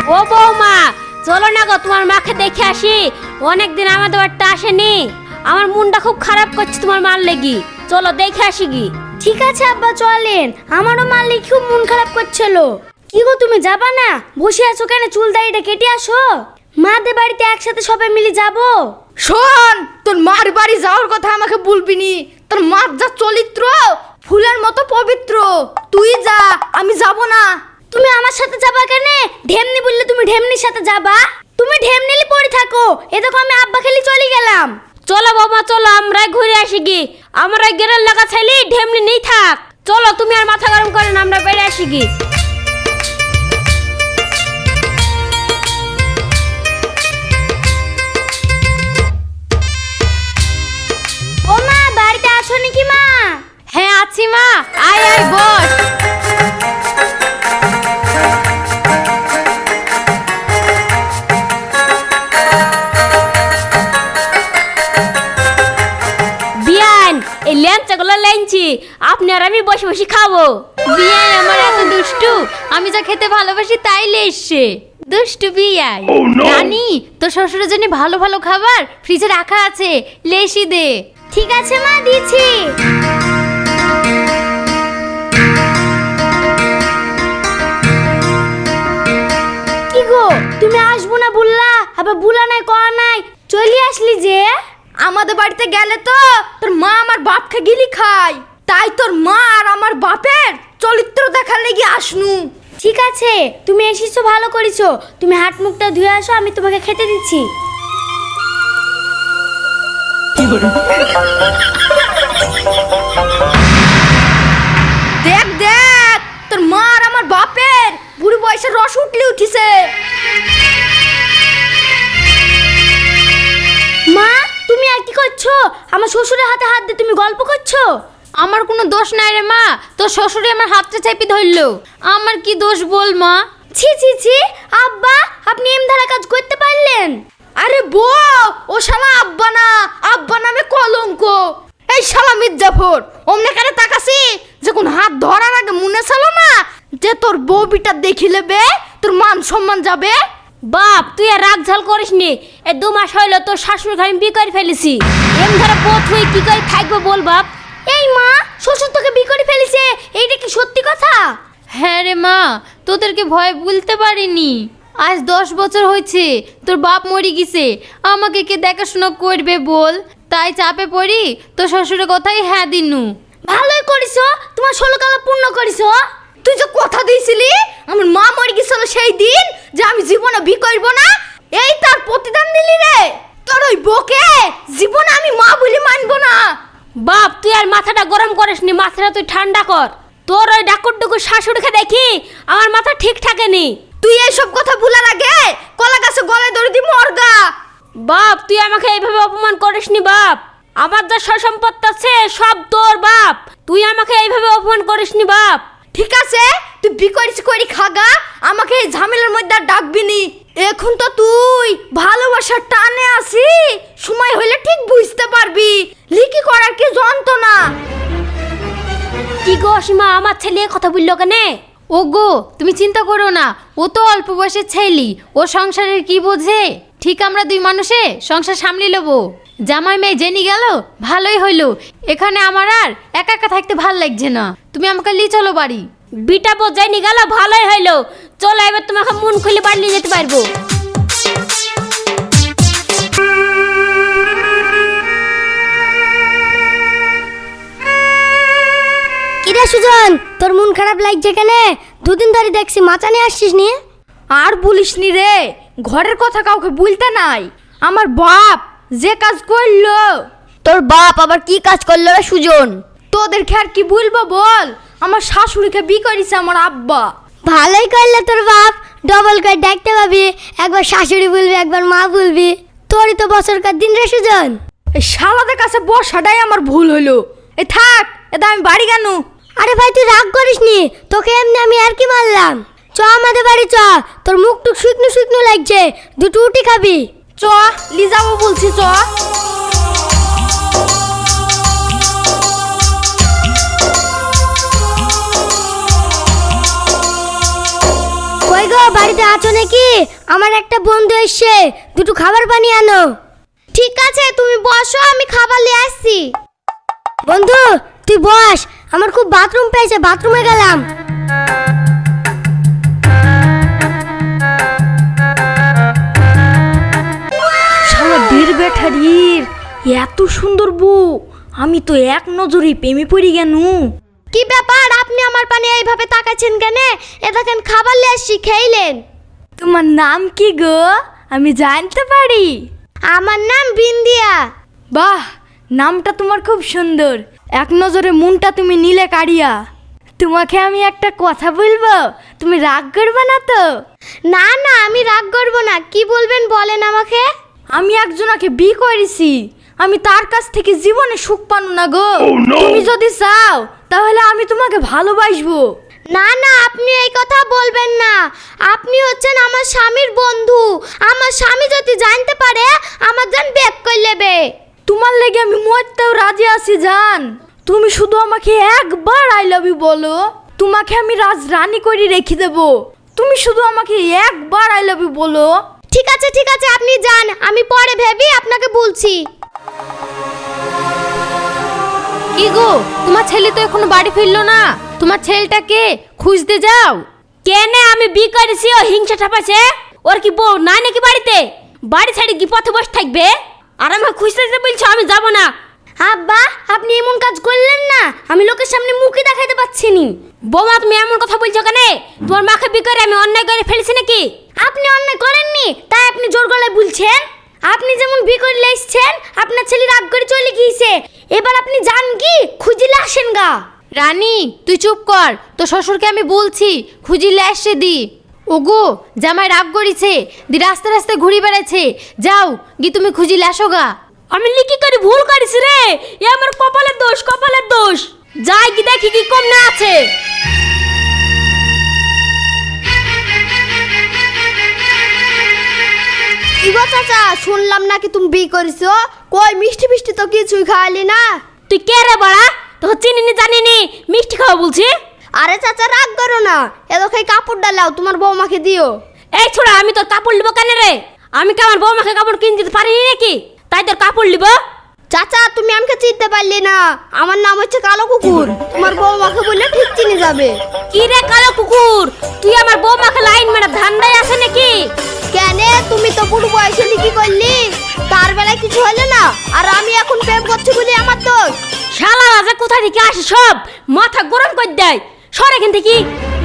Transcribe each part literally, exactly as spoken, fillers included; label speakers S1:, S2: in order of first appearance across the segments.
S1: ও বৌমা, চলো না গো তোমার মাকে দেখে আসি। অনেকদিন আমাদের বাড়িতে আসেনি, আমার মনটা খুব খারাপ করছে তোমার মার লেগি। চলো দেখে আসি গি।
S2: ঠিক আছে আব্বা চলেন, আমারও মার লেগে খুব মন খারাপ করছিল। কি গো তুমি যাবা না? বসে আছো কেন? চুল দাড়িটা কেটে আসো। মাদের বাড়িতে একসাথে সবাই মিলে যাবো।
S3: শোন, তোর মার বাড়ি যাওয়ার কথা আমাকে বলবি নি। তোর মার যা চরিত্র, ফুলের মতো পবিত্র। তুই যা, আমি যাব না।
S2: তুমি আমার সাথে যাবা কেন? ঢেমনি বললে তুমি ঢেমনির সাথে যাবা? তুমি ঢেমনিলি পড়ে থাকো। এ দেখো আমি আব্বা খেলি চলে গেলাম।
S1: চলো বৌমা চলো, আমরা ঘুরে আসি গি। আমরা গেরের লাগা ছেলে ঢেমনি নেই থাক। চলো তুমি আর মাথা গরম করে না, আমরা বেড়ে আসি গি।
S2: ও মা, বাড়িতে আছো নাকি মা?
S1: হ্যাঁ আছি মা, আয় আয় বস। বিয়ান, এই ল্যাংচাগুলো লেনছি, আপনি আর আমি বসে বসে খাবো। বিয়ান আমার এত দুষ্টু, আমি যা খেতে ভালোবাসি তাই লেসছে। দুষ্টু বিয়ান। রানী, তোর শ্বশুরের জন্য ভালো ভালো খাবার ফ্রিজে রাখা আছে, লেসি দে।
S2: ঠিক আছে মা, দিচ্ছি। কি গো তুমি আসবো না বললা, আবার বুলা নাই কয়া নাই, চলে আসলি যে?
S3: আমাদের বাড়িতে গেলে তো তোর মা আমার বাপকে গিলি খায়, তাই তোর মা আর আমার বাপের চরিত্র দেখার লেগে আসনু।
S2: ঠিক আছে, তুমি এসেছো ভালো করেছো। তুমি হাত মুখটা ধুয়ে আসো, আমি তোমাকে খেতে দিচ্ছি।
S3: দেখ দেখ, তোর মা আর আমার বাপের বুড়ি বয়সে রস উঠলে উঠিছে।
S2: মা তুমি আর কি করছো? আমার শ্বশুরের হাতে হাত দিয়ে তুমি গল্প করছো।
S1: আমার কোনো দোষ নাই রে মা, তোর শ্বশুরে আমার হাতটা চেপে ধরলো। আমার কি দোষ বল মা?
S2: ছি ছি ছি, আব্বা আপনি এম ধারা কাজ করতে পারলেন?
S3: আরে বউ, ও শালা আব্বা না, আব্বা নামে কলঙ্ক। এই শালা মির্জাফর, অমনে কারে তাকাসি যখন হাত ধরার আগে মনে ছিল না যে তোর বউ বিটা দেখি লেবে তোর মান সম্মান যাবে।
S1: বাপ তুই আর রাগ ঝাল করিস নি। এ দু মাস হইলো তোর শাশুড়ি ঘরে বিয়ে করে ফেলেছি। এম ধরে পথ হয়ে কি করে থাকবো বল বাপ?
S2: এই মা, শ্বশুর তোকে বিয়ে করে ফেলেছে, এইটা কি সত্যি কথা?
S1: হ্যাঁ রে মা, তোদেরকে ভয় বলতে পারিনি। আজ দশ বছর হয়েছে তোর বাপ মরে গেছে, আমাকে কে দেখাশোনা করবে বল? তাই চাপে পড়ি তোর শ্বশুরের কথাই হ্যাঁ দিনু।
S2: ভালোই করিছো, তোমার ষোলো কালা পূর্ণ করিছো।
S3: তুই যে কথা দিয়েছিলি আমার মা মরে গেছিল সেই দিন যে আমি জীবনে বিয়ে করবো না, এই তার প্রতিদান দিলি রে। তোর ওই বউকে জীবনে আমি মা বলে মানবো না।
S1: বাপ তুই আর মাথাটা গরম করিস নি, মাথাটা তুই ঠান্ডা কর। তোর ওই ডাকুর ডুকুর শাশুড়িকে দেখি আমার মাথা ঠিক থাকেনি।
S3: তুই এইসব কথা ভুলার আগে কলা গাছে গলায় ধরে দি মরগা।
S1: বাপ তুই আমাকে এইভাবে অপমান করিস নি বাপ। আমার যা সয় সম্পত্তি আছে সব তোর বাপ, তুই আমাকে এইভাবে অপমান করিস নি বাপ।
S3: ঠিক আছে, তুই বি করিস করি খাগা, আমাকে এই ঝামেলার মধ্যে আর ডাকবি নি। এখন তো তুই ভালোবাসার টানে আসি, সময় হলে ঠিক বুঝতে পারবি লিকি করার কি যন্ত্রণা।
S1: কি গো সীমা, আমার ছেলে কথা বললো কেনে? ও গো তুমি চিন্তা করো না, ও তো অল্প বয়সের ছেলে, ও সংসারের কি বোঝে। ঠিক আমরা দুই মানুষে সংসার সামলে নেবো। জামাই মেয়ে জেনে গেল ভালোই হইলো, এখানে আমার আর একা একা থাকতে ভাল লাগছে না। তুমি আমাকে নিয়ে চলো বাড়ি। বিটা বোঝাই নি গেল ভালোই হইলো, চলো এবার তোমাকে মন খুলে বাড়ি নিয়ে যেতে পারবো।
S2: কিরে সুজন, তোর মন খারাপ লাগছে কেন? দুদিন ধরে দেখছি মাচা নিয়ে আসছিস নি।
S3: আর বলিস নি রে, ঘরের কথা কাউকে বলতে নাই। আমার বাপ যে কাজ করলো।
S2: তোর বাপ আবার কি কাজ করলো রে সুজন?
S3: তোদেরকে আর কি বলবো বল, আমার শাশুড়িকে বি করেছে আমার আব্বা।
S2: ভালোই করলে তোর বাপ, ডবল করে ডাকতে পাবি, একবার শাশুড়ি বলবি একবার মা বলবি। তোরই তো বছরকার দিন রে সুজন।
S3: এই শালাদের কাছে বসাটাই আমার ভুল হলো। এ থাক, এটা আমি বাড়ি কেন?
S2: আরে ভাই তুই রাগ করিস নি, তোকে এমনি আমি আর কি মারলাম। চ আমাদের বাড়ি চ, তোর মুখ টুক শুকনো শুকনো লাগছে, দুটো রুটি খাবি।
S3: চ লি যাবো বলছি, চ।
S2: কই গো বাড়িতে আছো নাকি? আমার একটা বন্ধু এসছে, দুটো খাবার বানিয়ে আনো।
S3: ঠিক আছে, তুমি বসো, আমি খাবার নিয়ে আসছি।
S2: বন্ধু তুই বস, আমার খুব বাথরুম পেয়েছে, বাথরুমে গেলাম।
S4: শালা ঢের ব্যাটারির এত সুন্দর বউ, আমি তো এক নজরে প্রেমে পড়ি গেনু।
S3: কি ব্যাপার, আপনি আমার পানে এইভাবে তাকাচ্ছেন কেন? এ দেখেন খাবার নিয়ে আসছি, খেইলেন।
S4: তোমার নাম কি গো, আমি জানতে পারি?
S3: আমার নাম বিন্দিয়া।
S4: বাহ, নামটা তোমার খুব সুন্দর, এক নজরে মনটা তুমি নিলে কাড়িয়া। তোমাকে আমি একটা কথা বলবো, তুমি রাগ করবে না তো?
S3: না না, আমি রাগ করবো না, কি বলবেন বলেন আমাকে।
S4: আমি একজনকে বিয়ে করেছি, আমি তার কাছ থেকে জীবনে সুখ পানো না গো। তুমি যদি চাও তাহলে আমি তোমাকে ভালোবাসবো।
S3: না না, আপনি এই কথা বলবেন না, আপনি হচ্ছেন আমার স্বামীর বন্ধু। আমার স্বামী যদি জানতে পারে আমার জান বেক করে নেবে।
S4: তোমার লেগে আমি মরতেও রাজি আছি জান। তুমি শুধু আমাকে একবার আই লাভ ইউ বলো, তোমাকে আমি রাজ রানী করে রেখে দেব। তুমি শুধু আমাকে একবার আই লাভ ইউ বলো।
S3: ঠিক আছে ঠিক আছে, আপনি যান, আমি পরে ভেবে আপনাকে বলছি।
S1: কি গো, তোমার ছেলে তো এখনো বাড়ি ফিরলো না, তোমার ছেলেটাকে খুঁজতে যাও। কেনে আমি বি করেছি, ও হিংসা ঠাপাছে। ওর কি বউ নাই নাকি বাড়িতে? বাড়ি ছেড়ে কি পথে বসে থাকবে? আর আমাকে খুঁজতে যেতে বলছো, আমি যাব না।
S2: আব্বা আপনি এমন কাজ করলেন না, আমি লোকের সামনে মুখই দেখাতে পাচ্ছি নি।
S1: বৌমা তুমি এমন কথা বলছো কেন? তোমার মাকে বি করে আমি অন্যায় করে ফেলেছি নাকি?
S2: আপনি অন্যায় করেননি, তাই আপনি জোর গলায় বলছেন। আপনি যেমন বি করে এসছেন, আপনার ছেলে রাগ করে চলে গিয়েছে। এবার আপনি যান কি খুঁজিলে আসেন গা।
S1: রানী তুই চুপ কর, তো শ্বশুরকে আমি বলছি খুঁজিলে আসছে দি। ওগো জামাই রাগ করেছে, দি রাস্তা রাস্তায় ঘুরি বেড়াচ্ছে, যাও গি তুমি খুঁজিলে আসো গা। আমি লিখি করে ভুল করেছি রে, এ আমার কপালের দোষ, কপালের দোষ। যাই কি দেখি কি কম না আছে।
S3: ইগো চাচা, শুনলাম নাকি তুমি বিয়ে করেছো, কই মিষ্টি মিষ্টি তো কিছুই খাওয়ালি না।
S1: তুই কে রে বাড়া, তোকে চিনিনি জানিনি, মিষ্টি খাওয়া বলছি।
S3: আরে চাচা রাগ করো না, এ দেখো এই কাপড় ডালাও, তোমার বৌমাকে দিও।
S1: এই ছোড়া, আমি তোর কাপড় লিব কেন রে? আমি কি আমার বৌমাকে কাপড় কিনে দিতে পারিনি নাকি, তাই তোর কাপড় লিব?
S3: চাচা তুমি আমাকে চিনতে পারলি না, আমার নাম হচ্ছে কালো কুকুর। তোমার বৌমাকে বললে ঠিক চিনে যাবে।
S1: কি রে কালো কুকুর, তুই আমার বৌমাকে লাইন মেরে ধান্দায় আছে নাকি?
S3: কেন, তুমি তো পুরো বয়সে কি করলি? তার বেলায় কিছু হলো না, আর আমি এখন প্রেম করছি বলে আমার দোষ?
S1: শালা রাজা কোথা থেকে আসে সব মাথা গরম করে দেয়, সর এখান থেকে।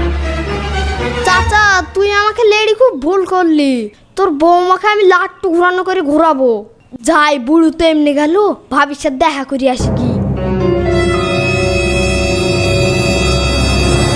S3: চাচা তুই আমাকে লেডি খুব ভুল করলি, তোর বৌমাকে আমি লাট্টু ঘোরানো করে ঘোরাবো। যাই বুড়ো তো এমনি গেল, ভাবির সাথে দেখা করি আসি কি।